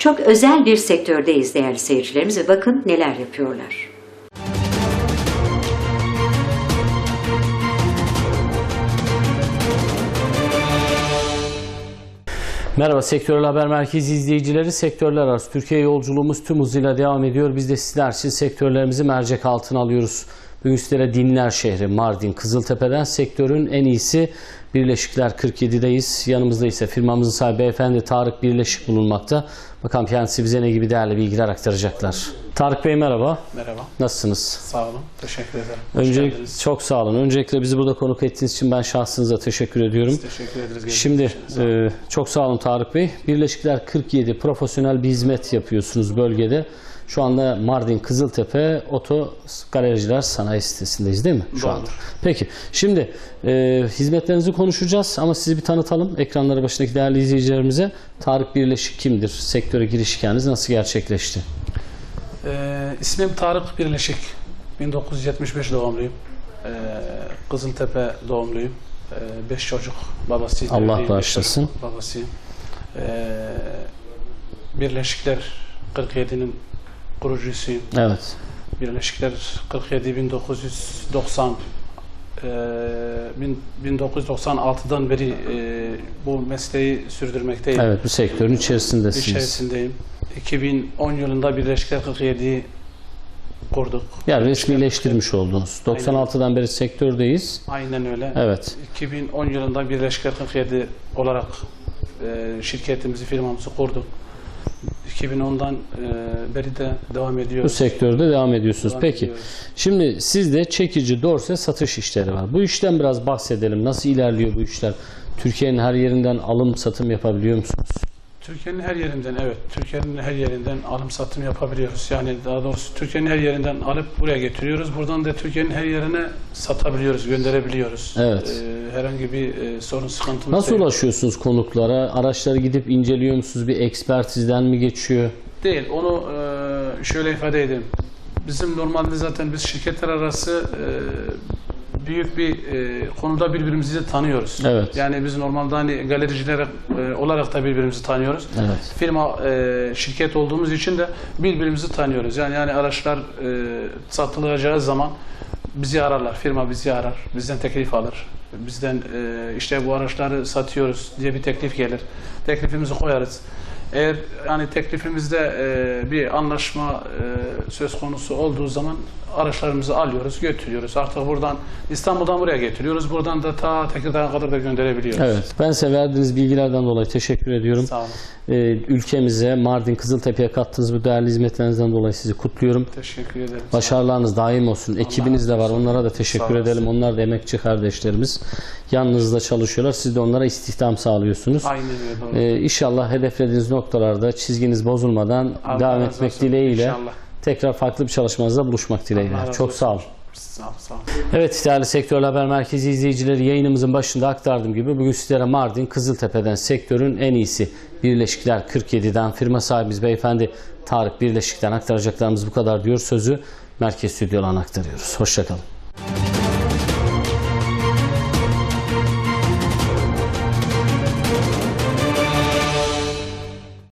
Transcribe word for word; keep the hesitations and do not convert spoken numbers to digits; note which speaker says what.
Speaker 1: çok özel bir sektördeyiz değerli seyircilerimiz ve bakın neler yapıyorlar.
Speaker 2: Merhaba Sektörel Haber Merkezi izleyicileri. Sektörler arası Türkiye yolculuğumuz tüm hızıyla devam ediyor. Biz de sizler için sektörlerimizi mercek altına alıyoruz. Bugün sizlere Dinler şehri Mardin Kızıltepe'den sektörün en iyisi Birleşikler kırk yedi'deyiz. Yanımızda ise firmamızın sahibi beyefendi Tarık Birleşik bulunmakta. Bakalım kendisi bize ne gibi değerli bilgiler aktaracaklar. Tarık Bey merhaba.
Speaker 3: Merhaba.
Speaker 2: Nasılsınız?
Speaker 3: Sağ olun. Teşekkür ederim.
Speaker 2: Öncelikle çok sağ olun. Öncelikle bizi burada konuk ettiğiniz için ben şahsınıza teşekkür ediyorum.
Speaker 3: Biz teşekkür ederiz.
Speaker 2: Şimdi e, çok sağ olun Tarık Bey. Birleşikler kırk yedi profesyonel bir hizmet yapıyorsunuz bölgede. Şu anda Mardin Kızıltepe Oto Galericiler Sanayi sitesindeyiz değil mi? Şu
Speaker 3: Doğru.
Speaker 2: anda. Peki. Şimdi e, hizmetlerinizi konuşacağız ama sizi bir tanıtalım ekranları başındaki değerli izleyicilerimize. Tarık Birleşik kimdir? Sektöre giriş hikayeniz nasıl gerçekleşti?
Speaker 3: Ee, ismim Tarık Birleşik. bin dokuz yüz yetmiş beş doğumluyum. Ee, Kızıltepe doğumluyum. Ee, beş çocuk babasıyım.
Speaker 2: Allah
Speaker 3: Evliyim,
Speaker 2: bağışlasın.
Speaker 3: beş çocuk babasıyım. Ee, Birleşikler kırk yedi'nin kurucusuyum.
Speaker 2: Evet.
Speaker 3: Birleşikler kırk yedi bin dokuz yüz doksan e, bin dokuz yüz doksan altı'dan beri e, bu mesleği sürdürmekteyim.
Speaker 2: Evet, bu sektörün içerisindesiniz.
Speaker 3: İçerisindeyim. iki bin on yılında Birleşikler kırk yedi'yi kurduk.
Speaker 2: Yani resmileştirmiş oldunuz. doksan altı'dan beri sektördeyiz.
Speaker 3: Aynen öyle.
Speaker 2: Evet.
Speaker 3: iki bin on yılında Birleşikler kırk yedi olarak e, şirketimizi, firmamızı kurduk. iki bin on'dan e, beri de devam ediyoruz.
Speaker 2: Bu sektörde devam ediyorsunuz.
Speaker 3: Devam
Speaker 2: Peki.
Speaker 3: ediyoruz.
Speaker 2: Şimdi sizde çekici, dorse satış işleri var. Bu işten biraz bahsedelim. Nasıl ilerliyor bu işler? Türkiye'nin her yerinden alım satım yapabiliyor musunuz?
Speaker 3: Türkiye'nin her yerinden, evet, Türkiye'nin her yerinden alım satım yapabiliyoruz. Yani daha doğrusu Türkiye'nin her yerinden alıp buraya getiriyoruz. Buradan da Türkiye'nin her yerine satabiliyoruz, gönderebiliyoruz.
Speaker 2: Evet.
Speaker 3: Ee, herhangi bir e, sorun, sıkıntımız
Speaker 2: Nasıl
Speaker 3: yok.
Speaker 2: ulaşıyorsunuz konuklara? Araçları gidip inceliyor musunuz? Bir ekspertizden mi geçiyor?
Speaker 3: Değil, onu e, şöyle ifade edeyim. Bizim normalde zaten biz şirketler arası e, büyük bir e, konuda birbirimizi de tanıyoruz.
Speaker 2: Evet.
Speaker 3: Yani biz normalde hani galericiler e, olarak da birbirimizi tanıyoruz.
Speaker 2: Evet.
Speaker 3: Firma, e, şirket olduğumuz için de birbirimizi tanıyoruz. Yani yani araçlar e, satılacağı zaman bizi ararlar. Firma bizi arar. Bizden teklif alır. Bizden e, işte bu araçları satıyoruz diye bir teklif gelir. Teklifimizi koyarız. Eğer yani teklifimizde e, bir anlaşma e, söz konusu olduğu zaman araçlarımızı alıyoruz, götürüyoruz. Artık buradan İstanbul'dan buraya getiriyoruz. Buradan da ta Tekirdağ'a kadar da gönderebiliyoruz.
Speaker 2: Evet. Ben size verdiğiniz bilgilerden dolayı teşekkür ediyorum.
Speaker 3: Sağ olun.
Speaker 2: Ee, ülkemize, Mardin Kızıltepe'ye kattığınız bu değerli hizmetlerinizden dolayı sizi kutluyorum.
Speaker 3: Teşekkür ederim.
Speaker 2: Başarılarınız daim olsun. Ekibiniz de var. Onlara da teşekkür
Speaker 3: Sağ
Speaker 2: edelim. Onlar da emekçi kardeşlerimiz. Yanınızda çalışıyorlar. Siz de onlara istihdam sağlıyorsunuz.
Speaker 3: Aynen öyle. Doğru.
Speaker 2: Ee, İnşallah hedeflediğiniz noktalarda çizginiz bozulmadan
Speaker 3: Allah
Speaker 2: devam
Speaker 3: razı
Speaker 2: etmek
Speaker 3: olsun.
Speaker 2: dileğiyle
Speaker 3: İnşallah.
Speaker 2: tekrar farklı bir çalışmanızda buluşmak dileğiyle.
Speaker 3: Allah razı
Speaker 2: Çok
Speaker 3: olsun.
Speaker 2: sağ olun.
Speaker 3: Sağ ol, sağ ol.
Speaker 2: Evet değerli Sektörel Haber Merkezi izleyicileri, yayınımızın başında aktardığım gibi bugün sizlere Mardin Kızıltepe'den sektörün en iyisi Birleşikler kırk yedi'den firma sahibimiz beyefendi Tarık Birleşik'ten aktaracaklarımız bu kadar diyor. Sözü Merkez Stüdyo'dan aktarıyoruz. Hoşça kalın.